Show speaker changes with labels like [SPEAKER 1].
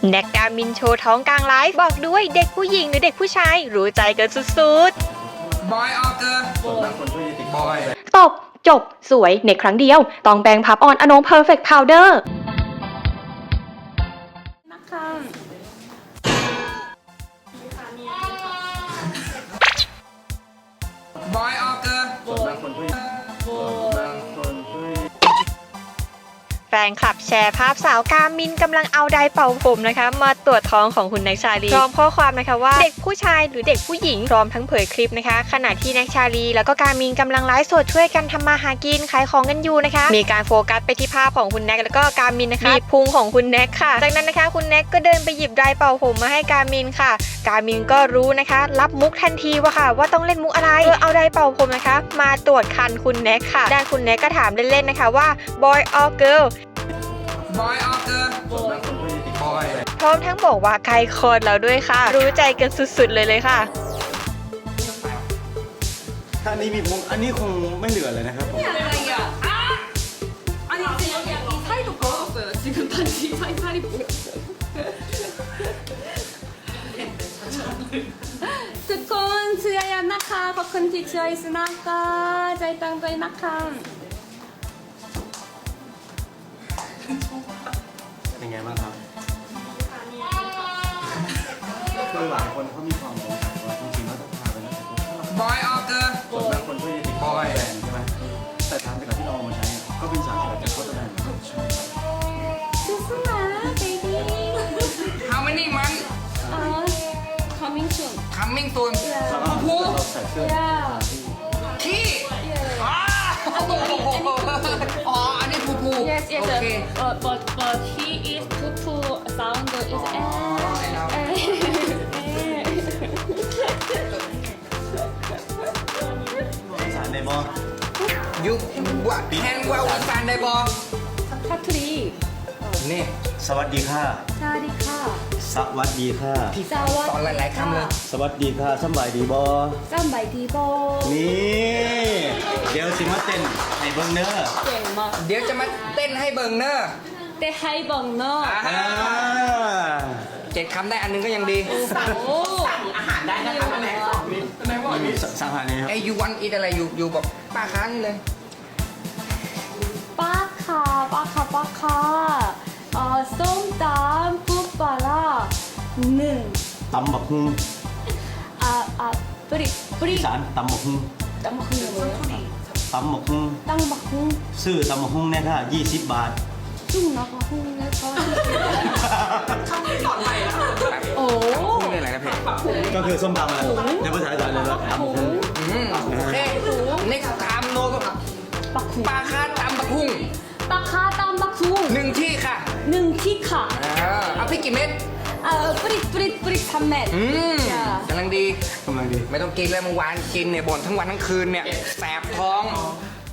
[SPEAKER 1] แน็กกามินโชว์ท้องกลางไลฟ์บอกด้วยเด็กผู้หญิงหรือเด็กผู้ชายรู้ใจกันสุดๆ
[SPEAKER 2] บอยออกเกอร์บางคนช่วยติดบอย
[SPEAKER 1] ตบจบสวยในครั้งเดียวต้องแบงพับออนอนงเพอร์เฟกต์พาวเดอร์
[SPEAKER 2] บอยออกเกอร์บางคนช่วย
[SPEAKER 1] แฟนคลับแชร์ภาพสาวกามินกำลังเอาไดร์เป่าผมนะคะมาตรวจท้องของคุณแน็กชาลีพร้อมข้อความนะคะว่าเด็กผู้ชายหรือเด็กผู้หญิงพร้อมทั้งเผยคลิปนะคะขณะที่แน็กชาลีแล้วก็กามินกำลังไลฟ์สดช่วยกันทำมาหากินขายของกันอยู่นะคะมีการโฟกัสไปที่ภาพของคุณแน็กแล้วก็กามินนะคะมีพุงของคุณแน็กค่ะจากนั้นนะคะคุณแน็กก็เดินไปหยิบไดร์เป่าผมมาให้กามินค่ะกามินก็รู้นะคะรับมุกทันทีว่าต้องเล่นมุกอะไรเอาไดร์เป่าผมนะคะมาตรวจคันคุณแน็กค่ะด้านคุณแน็กก็ถามเล่นๆนะคะว่า boy or girl
[SPEAKER 2] บอยออกเกอร์บางคนช่วยติดบอย
[SPEAKER 1] พร้อมทั้งบอกว่าใกล้คลอดแล้วด้วยค่ะรู้ใจกันสุดๆเลยค่ะ
[SPEAKER 3] ถ้าอันนี้มีมุกอันนี้คงไม่เหลือเลยนะครับผม
[SPEAKER 4] 아니 살도 부었어요. 지금 반지 살이 부었어요. 두콘 주야야 나카 버컨티 주아이스 나카 자이땅도이 나카
[SPEAKER 3] เป็นไงบ้างครับคือหลายคนเขามีความสงสัยว่าจริงๆแล้วต้องพาไปนะ
[SPEAKER 2] บอยออกเกอร์
[SPEAKER 3] บางคนช่วยติดบอยแบรนด์ใช่ไหมแต่ทางจากที่เราเอามาใช้ก็เป็นสารสกัดจากโคตรแบรนด์
[SPEAKER 4] 수수마 베이비
[SPEAKER 2] How many months
[SPEAKER 4] coming soon
[SPEAKER 2] coming soon
[SPEAKER 3] เราใส่เสื้อ
[SPEAKER 4] yeah
[SPEAKER 2] ขี้อ๋ออันนี้ผู
[SPEAKER 4] yes yes
[SPEAKER 2] โอเค
[SPEAKER 4] but he is poo sound is
[SPEAKER 3] สารในบอ
[SPEAKER 2] ยูว่าแฮนว่าวันซานได้บอ
[SPEAKER 4] 사투리
[SPEAKER 2] นี่
[SPEAKER 3] สวัสดีค่ะ
[SPEAKER 4] 사리카
[SPEAKER 3] สวัสดีค่ะ
[SPEAKER 2] พี่สอนหลายๆคำเลย
[SPEAKER 3] สวัสดีค่ะสบายดีบอ
[SPEAKER 4] 쌈바이 디보
[SPEAKER 3] นี่เดี๋ยวสิมาเต้นให้เบิ้งเนอร์
[SPEAKER 4] 땡마
[SPEAKER 2] เดี๋ยวจะมาเต้นให้เบิงเนอร์
[SPEAKER 4] 때 하이벙너
[SPEAKER 2] 7 คำได้อันนึงก็ยังดี
[SPEAKER 4] 오
[SPEAKER 3] สั่งหาเลยครับ
[SPEAKER 2] ไอ้ยูวันอีอะไรอยู่บอกป้าค้างเลย
[SPEAKER 4] 빠카 쏨땀 뿌빠라 는
[SPEAKER 3] ตำบักฮุง
[SPEAKER 4] 뿌리
[SPEAKER 3] อีสานตำบักฮุง
[SPEAKER 4] 땅바쿵 뭐예요?
[SPEAKER 3] ตำบักฮุง
[SPEAKER 4] 땅바쿵
[SPEAKER 3] ซื้อตำบักฮุงเนี่ยค่ะ20 บาท
[SPEAKER 4] 쭉 나가쿵 내가
[SPEAKER 2] โอ้
[SPEAKER 4] 오
[SPEAKER 2] พูดเลยอะไรนะเพจ
[SPEAKER 3] ก็คือส้มตำอะไรในภาษาอีสานเลยว่าตำบักฮุง
[SPEAKER 2] โอเคนี่คำโนก็
[SPEAKER 4] 바쿵
[SPEAKER 2] ปลาคาตำบักหุ่ง
[SPEAKER 4] 빠카 땅바쿵
[SPEAKER 2] 1 ที่ค่ะ
[SPEAKER 4] 능티카
[SPEAKER 2] เอาพริกกี่เม็ด
[SPEAKER 4] 뿌리 3맷
[SPEAKER 2] กำลังดี
[SPEAKER 3] กำลังดี
[SPEAKER 2] ไม่ต้องกินเลยเมื่อวานกินเนี่ยบ่นทั้งวันทั้งคืนเนี่ยแสบท้อง